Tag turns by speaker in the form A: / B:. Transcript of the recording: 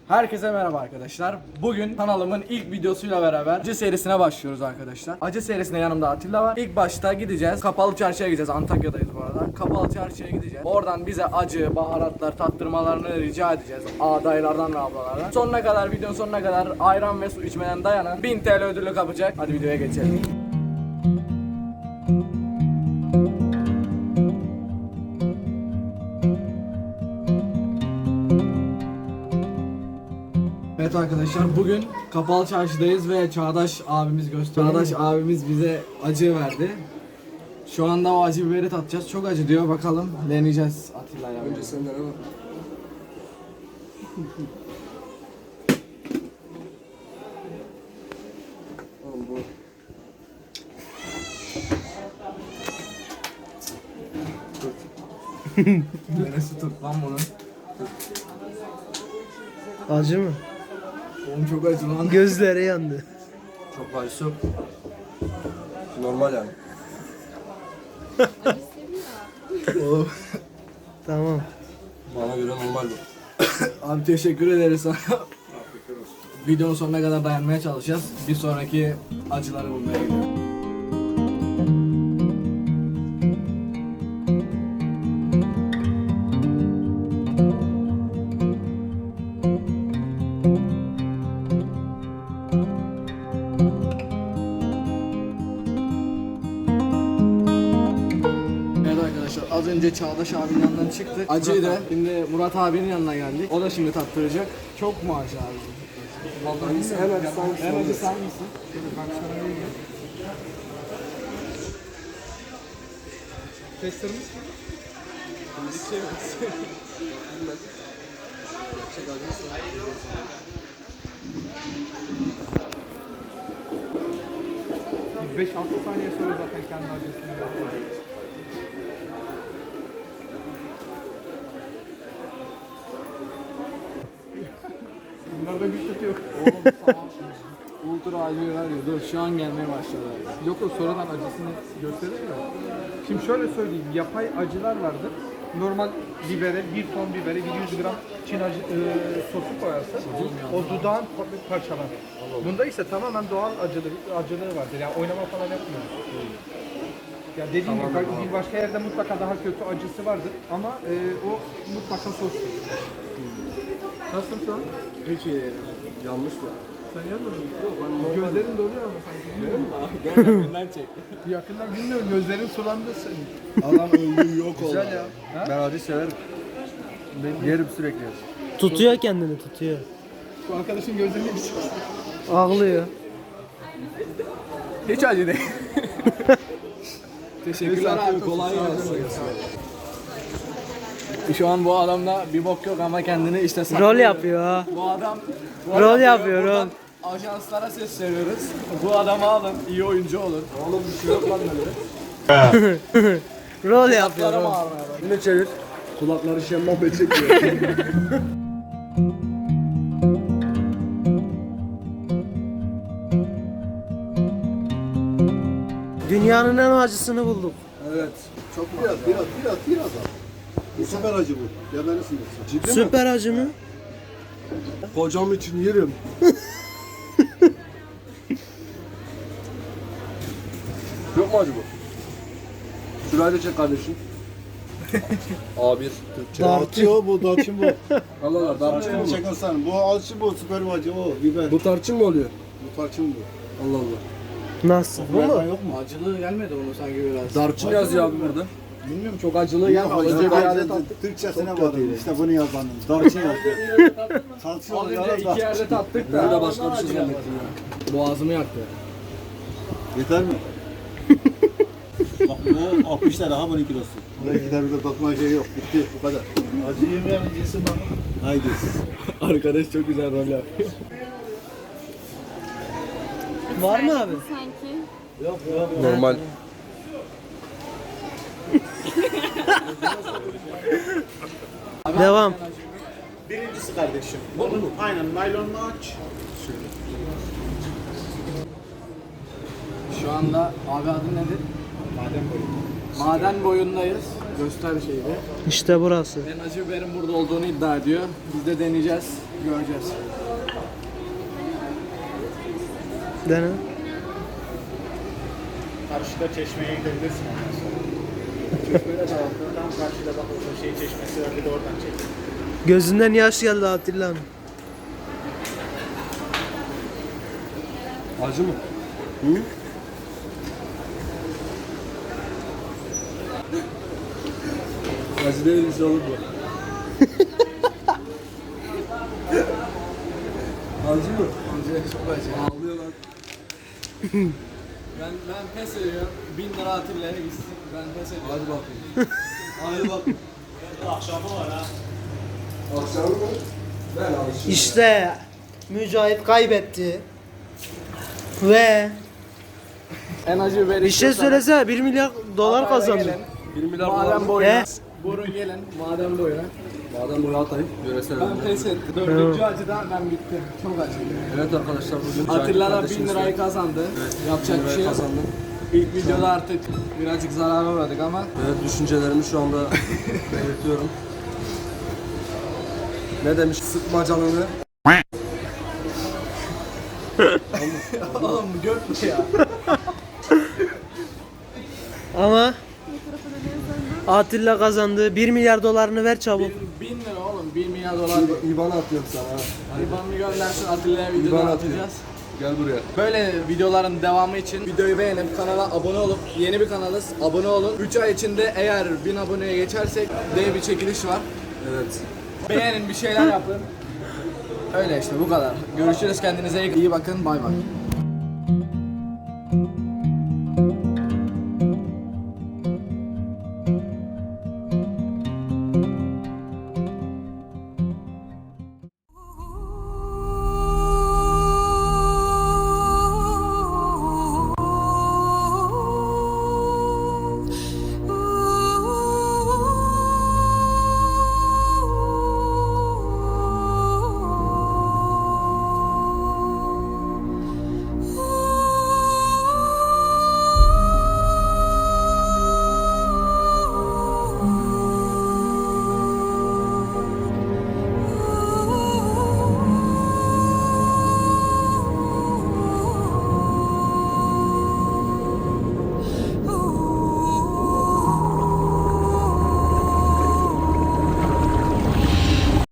A: Herkese merhaba arkadaşlar. Bugün kanalımın ilk videosuyla beraber acı serisine başlıyoruz arkadaşlar. Acı serisinde yanımda Atilla var. İlk başta gideceğiz. Kapalı çarşıya gideceğiz. Antakya'dayız bu arada. Kapalı çarşıya gideceğiz. Oradan bize acı, baharatlar, tattırmalarını rica edeceğiz. Dayılardan ve ablalardan. Sonuna kadar, videonun sonuna kadar ayran ve su içmeden dayanan 1000 TL ödülü kapacak. Hadi videoya geçelim. Evet arkadaşlar, bugün kapalı çarşıdayız ve Çağdaş abimiz bize acı verdi. Şu anda o acı biberi tatacağız. Çok acı diyor. Bakalım deneyeceğiz Atilla'yla.
B: Önce senden ama. Oğlum bu.
A: Neresi tut lan bunun?
C: Acı mı?
A: Oğlum çok acı lan.
C: Gözleri yandı.
B: Çok acısı yok. Normal yani.
A: Oğlum.
C: Tamam.
B: Bana göre normal bu.
A: Abi teşekkür ederiz sana. Videonun sonuna kadar dayanmaya çalışacağız. Bir sonraki acıları bulmaya gidiyoruz. Evet arkadaşlar, az önce Çağdaş abinin yanından çıktık. Acıydı. Şimdi Murat abinin yanına geldik. O da şimdi tattıracak. Çok mu acı abi?
B: Vallahi en acısı hangisi?
A: En acı sen misin? Ben sana vereyim.
B: Testlerimiz mi? Gerçek acısı.
D: 5-6 saniye sonra zaten kendi acısını yapıyor. Bunlarda güç yok.
A: Oğlum tamam. Ultra acı veriyor. Dur şu an gelmeye başladı.
D: Yok o sonradan acısını gösterir mi? Şimdi şöyle söyleyeyim, yapay acılar vardır. Normal bibere, bir ton bibere 100 gram Çin sosu koyarsın. O dudağın parçalar. Bunda ise tamamen doğal acılığı vardır. Yani oynama falan yapmıyor. Ya dediğim gibi bir başka yerde mutlaka daha kötü acısı vardır ama o mutlaka sostur. Nasılsın şu an?
A: Hiç iyi.
B: Yanlış mı?
D: Sen yanmadın mı? Yok, gözlerin doluyor ama sanki. Bilmiyorum.
A: Gel yakından çek.
D: Bir yakından bilmiyorum, gözlerin sulandı senin.
A: Adam öldü yok oldu.
D: Güzel ya. Ha?
B: Ben acı severim. Yerim sürekli.
C: Tutuyor kendini, tutuyor.
D: Bu arkadaşın gözlerini bir çıksın.
C: Ağlıyor.
A: Hiç acı değil. Teşekkürler abi, kolay gelsin. Şu an bu adamda bir bok yok ama kendini işte saklıyor.
C: Rol yapıyor ha.
A: Bu adam
C: Rol yapıyor,
A: Buradan
C: rol.
A: ajanslara sesleniyoruz. Bu adamı alın, iyi oyuncu olur.
B: Oğlum bir şey yok lan böyle.
C: Rol yapıyor.
A: Kulaklarım
C: Rol.
A: ağrımaya başladı.
B: Yine çevir. Kulakları şemmaf çekiyor.
C: Dünyanın en acısını bulduk.
B: Evet.
A: Çok mu?
E: Biraz al. Bu süper acı bu. Yemelisin. Ciddi mi?
C: Süper acı mı?
B: Kocam için yerim. Yok mu acı bu? Şurayı da çek kardeşim. A1 Türkçe.
E: Tarçın bu, tarçın bu.
B: Allah Allah, tarçın mı?
E: Tarçın çekersen. Bu acı bu, süper acı o. Biber.
B: Bu tarçın mı oluyor?
E: Bu tarçın bu.
B: Allah Allah.
C: Nasıl?
E: Bu mu? Yok mu?
A: Acılı gelmedi onu sanki biraz.
B: Tarçın yazıyor abi burada.
A: Bilmiyorum, çok acılı gelmedi. Az önce bir yerde tattık.
E: Türkçesine vardı. İşte bunu yazanım. Tarçın yazıyor. Tarçın
A: Az
E: oluyor.
A: önce iki yerde tattık da.
B: Ben de başka bir şey
A: Acı
B: zannettim
A: gelmedi. Boğazımı yaktı.
E: Yeter mi? Bak bu 60 lira ha bunun kilosu. Buraya gider bir de bakma şey yok. Bitti bu kadar. Acı yemeyen cinsi bak. Haydi.
A: Arkadaş çok güzel rol yapıyor.
C: Var mı abi?
F: Sanki.
B: Normal.
C: Devam.
E: Birincisi kardeşim. Bu aynen naylonunu aç.
A: Şu anda abi adın nedir? Maden boyundayız. Göster şeyi.
C: İşte burası.
A: Ben acı biberin burada olduğunu iddia ediyor. Biz de deneyeceğiz. Göreceğiz.
C: Dene.
F: Karşıda çeşmeye gidebilirsin ondan sonra. Tam karşıda bak o şey çeşmesi var bir de oradan çek.
C: Gözünden yaş geldi Atilla'nın.
B: Acı mı? Hı? Acı değilmiş olur bu. Acı mı?
A: Acı, çok acı.
B: Ağlıyor lan.
A: Ben pes ediyorum. 1000 lira Atilla'ya gitsin. Ben pes ediyorum.
B: Hadi bakayım. Hadi bakayım.
F: Akşamı var ha.
B: Akşam mı? Ben alışıyorum.
C: İşte Mücahit kaybetti. Ve
A: En acı biberi
C: bir şey
A: istiyorsanız
C: söylesene 1 milyar dolar
A: Hatay'a
C: kazandı.
A: gelin.
B: 1 milyar dolar
A: Maden
B: mı?
A: boyuna.
C: He?
A: Burun gelin. Maden boyuna.
B: Madem boyu atayım. Yöresel
A: Ben
B: ürünler.
A: pes ettim. Dördüncü acıda ben bittim. Çok acı.
B: Evet arkadaşlar bugün
A: Atilla da 1000
B: kardeşimizle
A: lirayı kazandı. Yapacak
B: 1000
A: bir şey
B: lirayı
A: yok.
B: kazandım.
A: İlk videoda artık birazcık zarara uğradık ama
B: Evet düşüncelerimi şu anda belirtiyorum. Ne demiş? Sıkma canını.
A: oğlum gök mü ya?
C: Ama Atilla kazandı. 1 milyar dolarını ver çabuk.
A: 1000 lira oğlum 1 milyar dolar.
B: İban atıyorum sana.
A: İban'ı göndersin Atilla'ya
B: İban
A: videodan
B: atıyor.
A: atacağız.
B: Gel buraya.
A: Böyle videoların devamı için videoyu beğenip kanala abone olup yeni bir kanalız abone olun. 3 ay içinde eğer 1000 aboneye geçersek dev bir çekiliş var.
B: Evet.
A: Beğenin bir şeyler yapın. Öyle işte bu kadar. Görüşürüz kendinize iyi bakın bay bay.